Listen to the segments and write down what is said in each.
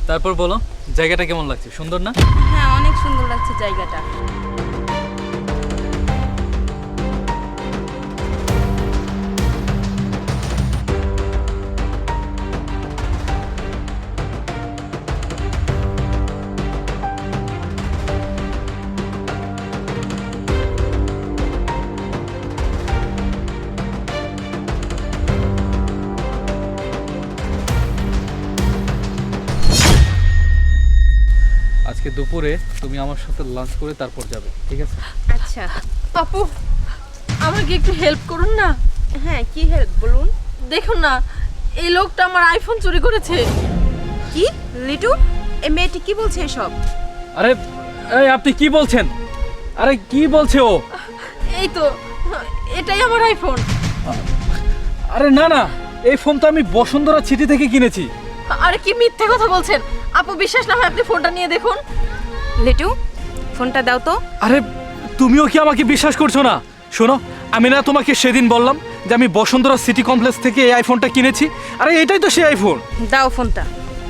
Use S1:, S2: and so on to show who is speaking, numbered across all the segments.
S1: তারপর বলো, জায়গাটা কেমন লাগছে? সুন্দর না?
S2: হ্যাঁ, অনেক সুন্দর লাগছে জায়গাটা।
S1: আজকে দুপুরে তুমি আমার সাথে লাঞ্চ করে তারপর যাবে, ঠিক আছে?
S2: আচ্ছা
S3: আপু, আমাকে একটু হেল্প করুন না।
S2: হ্যাঁ, কি হেল্প বলুন?
S3: দেখুন না, এই লোকটা আমার আইফোন চুরি করেছে।
S2: কি লিটু, এই মেয়েটি কি বলছে এসব?
S1: আরে এই আপনি কি বলছেন? আরে কি বলছে ও?
S3: এই তো, এটাই আমার আইফোন।
S1: আরে না না, এই ফোন তো আমি বসুন্ধরা সিটি থেকে কিনেছি।
S3: আরে কি মিথ্যে কথা বলছেন আপু, বিশ্বাস না হয় আপনি ফোনটা নিয়ে দেখুন।
S2: লিটু, ফোনটা দাও তো।
S1: আরে তুমিও কি আমাকে বিশ্বাস করছো না? শোনো, আমি না তোমাকে সেদিন বললাম যে আমি বসুন্ধরা সিটি কমপ্লেক্স থেকে এই আইফোনটা কিনেছি। আরে এটাই তো সেই আইফোন।
S2: দাও ফোনটা।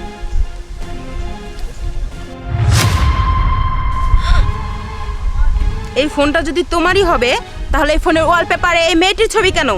S2: এই ফোনটা যদি তোমারই হবে, তাহলে এই ফোনের ওয়ালপেপারে এই মেয়েটির ছবি কেন?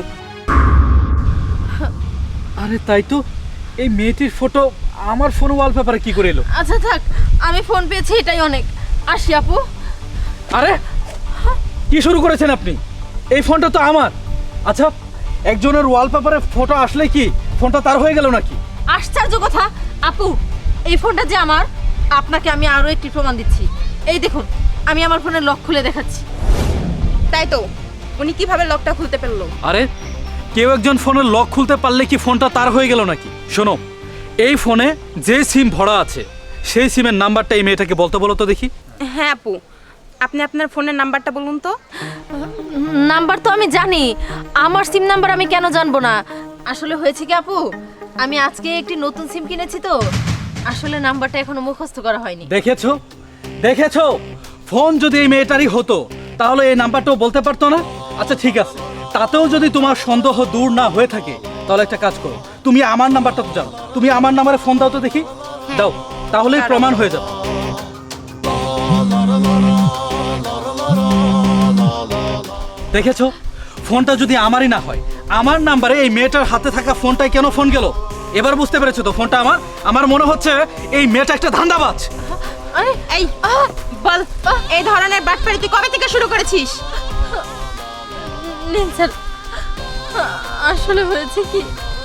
S1: আরে তাই তো, এই মেয়েটির ফটো আমার ফোন ওয়ালপেপারে কি করে এলো?
S3: আচ্ছা থাক, আমি ফোন পেয়েছি, এটাই অনেক। আসি আপু।
S1: আরে কি শুরু করেছেন আপনি? এই ফোনটা তো আমার। আচ্ছা, একজনের ওয়ালপেপারে ফটো আসলে কি ফোনটা তার হয়ে গেল নাকি?
S3: আশ্চর্য কথা আপু, এই ফোনটা যে আমার, আপনাকে আমি আরো একটি প্রমাণ দিচ্ছি। এই দেখুন, আমি আমার ফোনের লক খুলে দেখাচ্ছি।
S2: তাই তো, উনি কিভাবে লকটা খুলতে পারলো?
S1: আরে কেউ একজন ফোনের লক খুলতে পারলে কি ফোনটা তার হয়ে গেল নাকি? শোনো, এই ফোনে যে সিম ভরা আছে সেই সিমের নাম্বারটা এই মেয়েটাকে বলতে বলো তো দেখি।
S2: হ্যাঁ আপু, আপনি আপনার ফোনের নাম্বারটা বলুন তো।
S3: নাম্বার তো আমি জানি, আমার সিম নাম্বার আমি কেন জানবো না? আসলে হয়েছে কি আপু, আমি আজকে একটি নতুন সিম কিনেছি তো, আসলে নাম্বারটা এখনো মুখস্থ করা হয়নি।
S1: দেখেছো দেখেছো, ফোন যদি এই মেয়েটারই হতো তাহলে এই নাম্বারটাও বলতে পারতো না। আচ্ছা ঠিক আছে, তাতেও যদি তোমার সন্দেহ দূর না হয়ে থাকে তাহলে একটা কাজ করো, তুমি আমার নাম্বারটা তো জানো, তুমি আমার নাম্বারে ফোন দাও তো দেখি। দাও, তাহলেই প্রমাণ হয়ে যাবে। দেখেছো, ফোনটা যদি আমারই না হয়, আমার নাম্বারে এই মেয়েটার হাতে থাকা ফোনটাই কেন ফোন গেল? এবার বুঝতে পেরেছো তো ফোনটা আমার? আমার মনে হচ্ছে এই মেয়েটা একটা ধান্দাবাজ।
S3: আরে
S2: এই বল, এই ধরনের বাটপারি তুই কবে থেকে শুরু করেছিস?
S3: নিন স্যার, আসলে হয়েছে কি,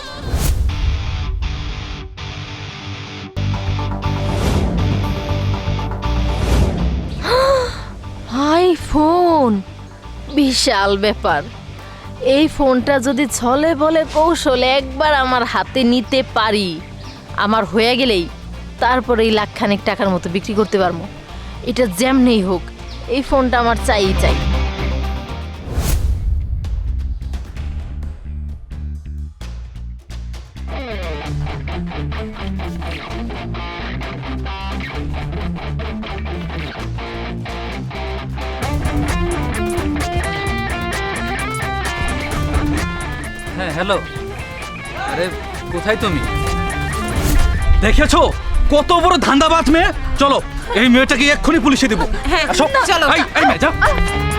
S3: আইফোন বিশাল ব্যাপার। এই ফোনটা যদি ছলে বলে কৌশলে একবার আমার হাতে নিতে পারি, আমার হয়ে গেলেই তারপরে এই লাখখানেক টাকার মতো বিক্রি করতে পারবো। এটা যেমনেই হোক, এই ফোনটা আমার চাই চাই।
S1: হ্যাঁ হ্যালো, আরে কোথায় তুমি? দেখেছো কত বড় ধান্দাবাজ মেয়ে। চলো এই মেয়েটাকে এক্ষুনি পুলিশে দেবো।
S2: হ্যাঁ,
S1: আসো।
S2: চলো।
S1: এই মেয়ে, যাও।